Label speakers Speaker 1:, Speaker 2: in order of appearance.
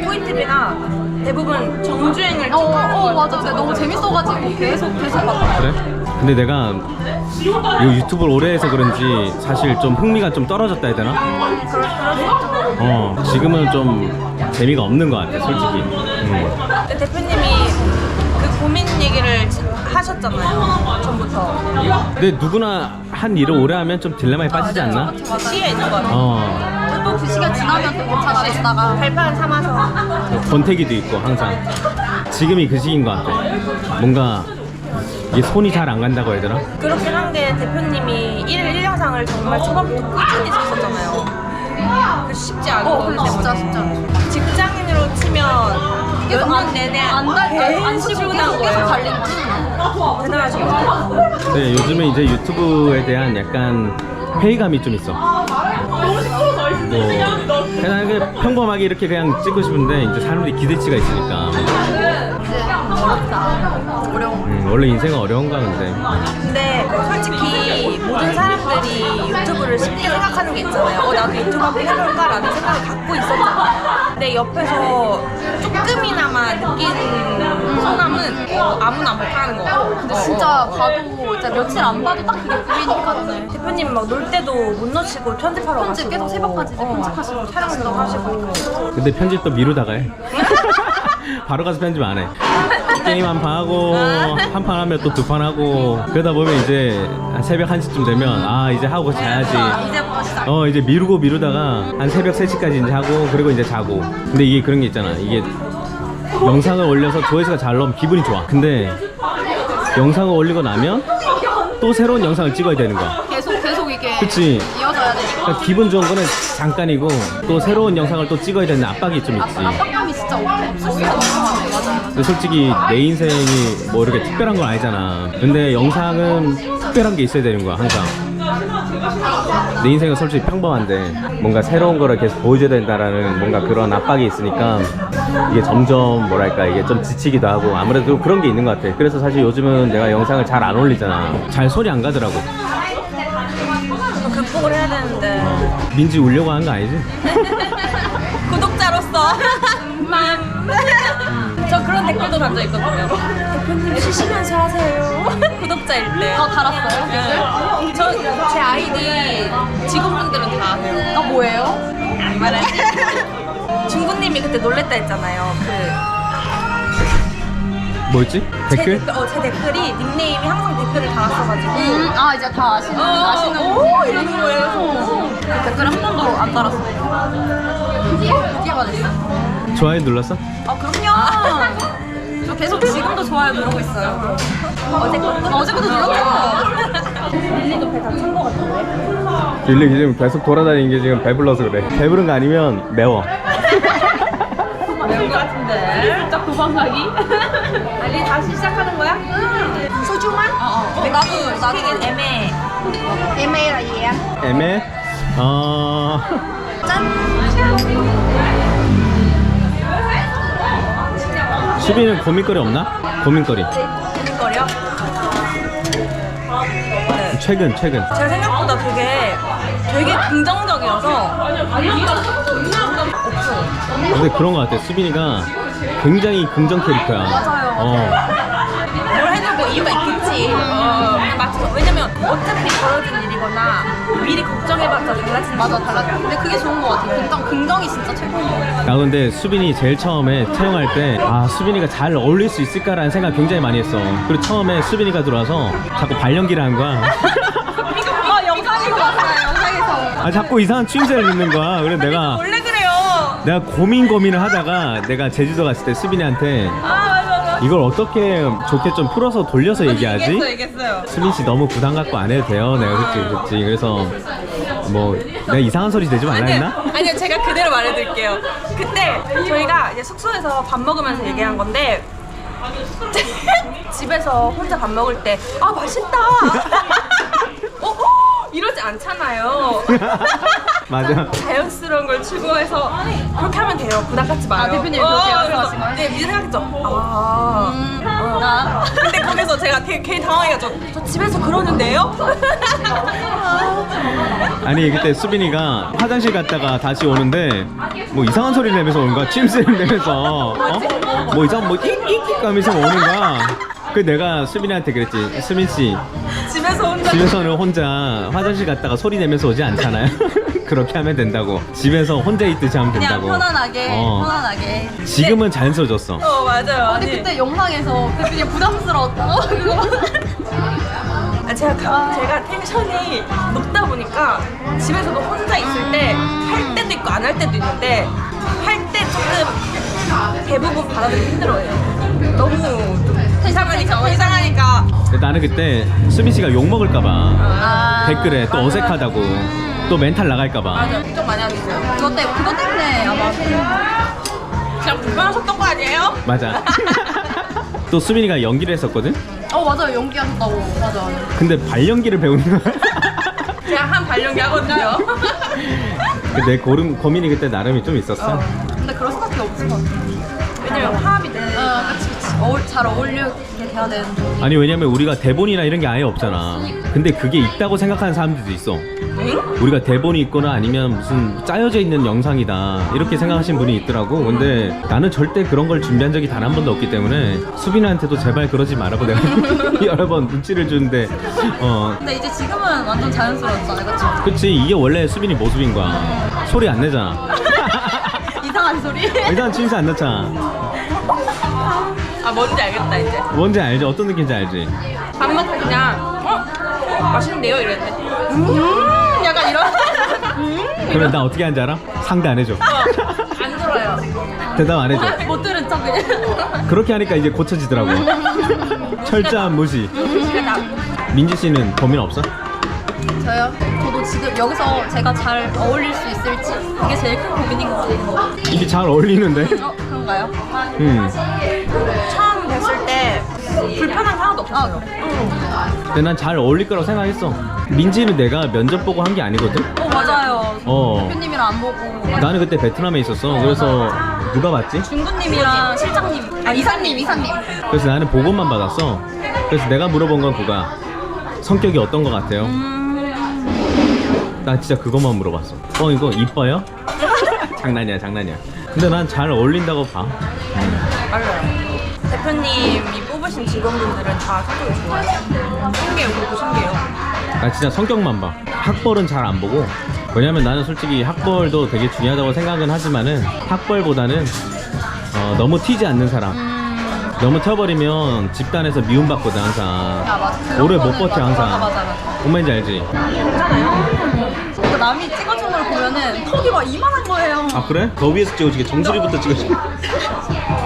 Speaker 1: 토이TV가 대부분 정주행을 찍어하는 걸
Speaker 2: 맞아. 근데 너무 재밌어가지고 계속 봤어.
Speaker 3: 그래? 근데 내가 이 유튜브를 오래 해서 그런지 사실 좀 흥미가 좀 떨어졌다 해야 되나? 지금은 좀 재미가 없는 것 같아, 솔직히.
Speaker 1: 근데 대표님이 그 고민 얘기를 하셨잖아요, 전부터.
Speaker 3: 근데 누구나 한 일을 오래 하면 좀 딜레마에 빠지지 않나?
Speaker 1: 시에 있는 거 같아요.
Speaker 2: 또 그 시간 지나면 또 괜찮아졌다가
Speaker 1: 발판 삼아서.
Speaker 3: 권태기도 있고 항상 지금이 그 시기인 것 같아. 뭔가 이게 손이 잘 안 간다고 해야 되나?
Speaker 1: 그렇긴 한 게 대표님이 1일 1영상을 정말 초반부터 꾸준히 썼었잖아요. 그 쉽지 않은 거기 때문에.
Speaker 2: 진짜.
Speaker 1: 직장인으로 치면 몇 년 내내
Speaker 2: 안 쉬고 계속 달린 거지.
Speaker 1: 대단하죠.
Speaker 3: 네, 요즘에 이제 유튜브에 대한 약간 회의감이 좀 있어. 그냥 평범하게 이렇게 그냥 찍고 싶은데 이제 사람들이 기대치가 있으니까.
Speaker 2: 어려워.
Speaker 3: 원래 인생은 어려운가 근데.
Speaker 1: 근데 솔직히 모든 사람들이 유튜브를 쉽게 생각하는 게 있잖아요. 나도 유튜브 한번 해볼까라는 생각을 갖고 있었잖아요. 근데 옆에서 조금이나마 느낀 소감은 아무나 못하는 거.
Speaker 2: 근데 진짜 봐도 진짜 며칠 안 봐도 딱 그게 보이니까.
Speaker 1: 대표님 막 놀 때도 못 놓치고 편집하러
Speaker 2: 편집
Speaker 1: 가시고
Speaker 2: 계속 새벽까지 편집하시고
Speaker 1: 촬영도 하시고.
Speaker 3: 근데 편집도 미루다가 해. 바로 가서 편집 안 해. 게임 한 판 하고 한 판 하면 또 두 판 하고 그러다 보면 이제 한 새벽 1시쯤 되면 이제 하고 자야지.
Speaker 2: 이제부터 시작.
Speaker 3: 이제 미루다가 한 새벽 3시까지 이제 하고 그리고 이제 자고. 근데 이게 그런 게 있잖아. 이게 영상을 올려서 조회수가 잘 나오면 기분이 좋아. 근데 영상을 올리고 나면 또 새로운 영상을 찍어야 되는 거야.
Speaker 2: 계속 이게
Speaker 3: 그치?
Speaker 2: 이어져야 되니까.
Speaker 3: 그러니까 기분 좋은 거는 잠깐이고 또 새로운 영상을 또 찍어야 되는 압박이 좀 있지.
Speaker 2: 압박감이 진짜 없을 수가 없는 것 같아. 맞아.
Speaker 3: 근데 솔직히 내 인생이 뭐 이렇게 특별한 건 아니잖아. 근데 영상은 특별한 게 있어야 되는 거야 항상. 내 인생은 솔직히 평범한데 뭔가 새로운 거를 계속 보여줘야 된다라는 뭔가 그런 압박이 있으니까 이게 점점 뭐랄까 이게 좀 지치기도 하고 아무래도 그런 게 있는 것 같아. 그래서 사실 요즘은 내가 영상을 잘 안 올리잖아. 잘 손이 안 가더라고.
Speaker 1: 극복을 해야 되는데.
Speaker 3: 민지 울려고 하는 거 아니지?
Speaker 1: 구독자로서 저 그런 댓글도 달려 있거든요. 대표님 쉬시면서 하세요. 구독자일 때.
Speaker 2: 달았어요?
Speaker 1: 네. 제 아이디 직원분들은 다 아세요.
Speaker 2: 뭐예요?
Speaker 1: 말하지? 중구님이 그때 놀랬다 했잖아요.
Speaker 3: 뭐였지? 댓글?
Speaker 1: 제 댓글이 닉네임이 항상 댓글을 달았어가지고.
Speaker 2: 이제 다 아시는
Speaker 1: 오 이러는 거예요.
Speaker 2: 댓글 한 번도 안 달았어요. 이게 받았어?
Speaker 3: 좋아요 눌렀어?
Speaker 1: 그럼요. 저 계속 지금도 좋아요 누르고 있어요. 어제부터 눌렀죠. 릴리도 배 다친 거 같은데.
Speaker 3: 릴리 지금 계속 돌아다니는 게 지금 배불러서 그래. 배부른 거 아니면 매워.
Speaker 1: 매울 것 같은데. 살짝 도망가기. 알리 다시 시작하는 거야? 소주만? 나도 되게 애매해.
Speaker 2: 애매해라 얘.
Speaker 3: 애매? 수빈은 고민거리 없나? 고민거리.
Speaker 1: 고민거리요?
Speaker 3: 최근.
Speaker 1: 제가 생각보다 되게 긍정적이어서 없어.
Speaker 3: 근데 그런 거 같아. 수빈이가 굉장히 긍정 캐릭터야.
Speaker 1: 뭘 해도 뭐 이유가 있겠지. 그냥 맞춰서. 왜냐면 어차피 벌어진 일이거나 미리 걱정해봤자 달라지는
Speaker 2: 맞아,
Speaker 1: 거
Speaker 2: 달라. 근데 그게 좋은 것 같아. 긍정이 진짜 최고인 것 같아.
Speaker 3: 나 근데 수빈이 제일 처음에 채용할 때 수빈이가 잘 어울릴 수 있을까라는 생각 굉장히 많이 했어. 그리고 처음에 수빈이가 들어와서 자꾸 발연기를 하는 거야.
Speaker 1: 영상에서 왔어요. 영상에서.
Speaker 3: 자꾸 이상한 추임새를 넣는 거야. 그래서
Speaker 1: 원래 그래요.
Speaker 3: 내가 고민을 하다가 내가 제주도 갔을 때 수빈이한테
Speaker 1: 맞아.
Speaker 3: 이걸 어떻게 좋게 좀 풀어서 돌려서 얘기하지?
Speaker 1: 얘기했어요.
Speaker 3: 수빈 씨 너무 부담 갖고 안 해도 돼요. 내가 그랬지. 그래서 뭐 내가 이상한 소리 내지 말라 했나?
Speaker 1: 아니요, 제가 그대로 말해드릴게요. 그때 저희가 이제 숙소에서 밥 먹으면서 얘기한 건데 집에서 혼자 밥 먹을 때 맛있다. 이러지 않잖아요.
Speaker 3: 맞아.
Speaker 1: 자연스러운 걸 추구해서 그렇게 하면 생각해요. 부담 갖지 마요.
Speaker 2: 아, 대표님이 그렇게 말씀하신 거예요?
Speaker 1: 네, 미리 생각했죠.
Speaker 2: 나
Speaker 1: 근데 거기서 제가 되게 괜히 당황해가지고 저 집에서 그러는데요?
Speaker 3: 아니 그때 수빈이가 화장실 갔다가 다시 오는데 뭐 이상한 소리 내면서 오는 거야. 침샘 내면서 뭐 이상한 뭐 იქ익익 가면서 오는 거야. 그 내가 수빈이한테 그랬지. 수빈 씨
Speaker 1: 집에서 혼자
Speaker 3: 집에서는 혼자 화장실 갔다가 소리 내면서 오지 않잖아요. 그렇게 하면 된다고. 집에서 혼자 있듯이 하면
Speaker 2: 그냥
Speaker 3: 된다고.
Speaker 2: 편안하게
Speaker 3: 어.
Speaker 2: 편안하게.
Speaker 3: 지금은 자연스러워졌어.
Speaker 1: 맞아요.
Speaker 2: 근데 그때 영상에서 대표님 부담스러웠다고 그거.
Speaker 1: 제가 텐션이 높다 보니까 집에서도 혼자 있을 때 할 때도 있고 안 할 때도 있는데 할 때 조금 대부분 받아들이기 힘들어요. 너무 이상하니까
Speaker 3: 근데 나는 그때 수빈 씨가 욕 먹을까봐
Speaker 2: 아.
Speaker 3: 댓글에 또 어색하다고 또 멘탈 나갈까봐.
Speaker 1: 맞아 걱정 많이 하고 있어요.
Speaker 2: 그것 때문에 아마
Speaker 1: 그냥 불편하셨던 거 아니에요?
Speaker 3: 맞아. 또 수빈이가 연기를 했었거든?
Speaker 2: 맞아요 연기하셨다고 맞아.
Speaker 3: 근데 발연기를 배우는 거야.
Speaker 1: 제가 한 발연기 하거든요.
Speaker 3: 내 고민이 그때 나름이 좀 있었어.
Speaker 2: 근데 그럴 수밖에 없을 것 같아.
Speaker 1: 왜냐면 화합이 돼.
Speaker 2: 그치. 잘 어울리게 돼야 되는데.
Speaker 3: 아니 왜냐면 우리가 대본이나 이런 게 아예 없잖아. 근데 그게 있다고 생각하는 사람들도 있어. 우리가 대본이 있거나 아니면 무슨 짜여져 있는 영상이다 이렇게 생각하시는 분이 있더라고. 근데 나는 절대 그런 걸 준비한 적이 단 한 번도 없기 때문에 수빈이한테도 제발 그러지 말라고 내가 여러 번 눈치를 주는데
Speaker 2: 근데 이제 지금은 완전 자연스러웠잖아요, 그쵸?
Speaker 3: 그치 이게 원래 수빈이 모습인 거야. 소리 안 내잖아.
Speaker 2: 이상한 소리.
Speaker 3: 일단 침새 안 넣잖아.
Speaker 1: 뭔지 알겠다 이제.
Speaker 3: 뭔지 알지? 어떤 느낌인지 알지?
Speaker 1: 밥 먹고 그냥 맛있는데요 이랬는데 약간 이런
Speaker 3: 그러면 나 어떻게 하는지 알아? 상대 안 해줘.
Speaker 1: 안 들어요.
Speaker 3: 대답 안 해줘.
Speaker 2: 못 들은 척 그냥.
Speaker 3: 그렇게 하니까 이제 고쳐지더라고. 철저한 무시. 민지 씨는 고민 없어?
Speaker 2: 저요? 저도 지금 여기서 제가 잘 어울릴 수 있을지 그게 제일 큰 고민인 것 같아요.
Speaker 3: 입이 잘 어울리는데?
Speaker 2: 그런가요?
Speaker 1: 처음 뵀을 때 불편한 거 하나도 없었어요.
Speaker 3: 근데 난 잘 어울릴 거라고 생각했어. 민지는 내가 면접 보고 한 게 아니거든?
Speaker 2: 맞아요.
Speaker 3: 어.
Speaker 2: 대표님이랑 안 보고
Speaker 3: 나는 그때 베트남에 있었어. 그래서 누가 봤지?
Speaker 2: 중구님이랑 실장님, 이사님.
Speaker 3: 그래서 나는 보고만 받았어. 그래서 내가 물어본 건 그거야. 성격이 어떤 거 같아요? 나 진짜 그것만 물어봤어. 이거 이뻐요? 장난이야. 근데 난 잘 어울린다고 봐.
Speaker 1: 맞아요. 대표님이 뽑으신 직원분들은 다 성격이 좋아요. 신기해요. 그것도 신기해요.
Speaker 3: 나 진짜 성격만 봐. 학벌은 잘 안 보고. 왜냐면 나는 솔직히 학벌도 되게 중요하다고 생각은 하지만은 학벌보다는 너무 튀지 않는 사람. 너무 튀어버리면 집단에서 미움받거든 항상.
Speaker 2: 맞아.
Speaker 3: 오래 못 버텨 항상.
Speaker 2: 맞아.
Speaker 3: 뭔 말인지 알지?
Speaker 2: 그 남이 찍어준 걸 보면은 턱이 막 이만한 거예요.
Speaker 3: 아 그래? 더 위에서 찍어주게 정수리부터 찍어주게.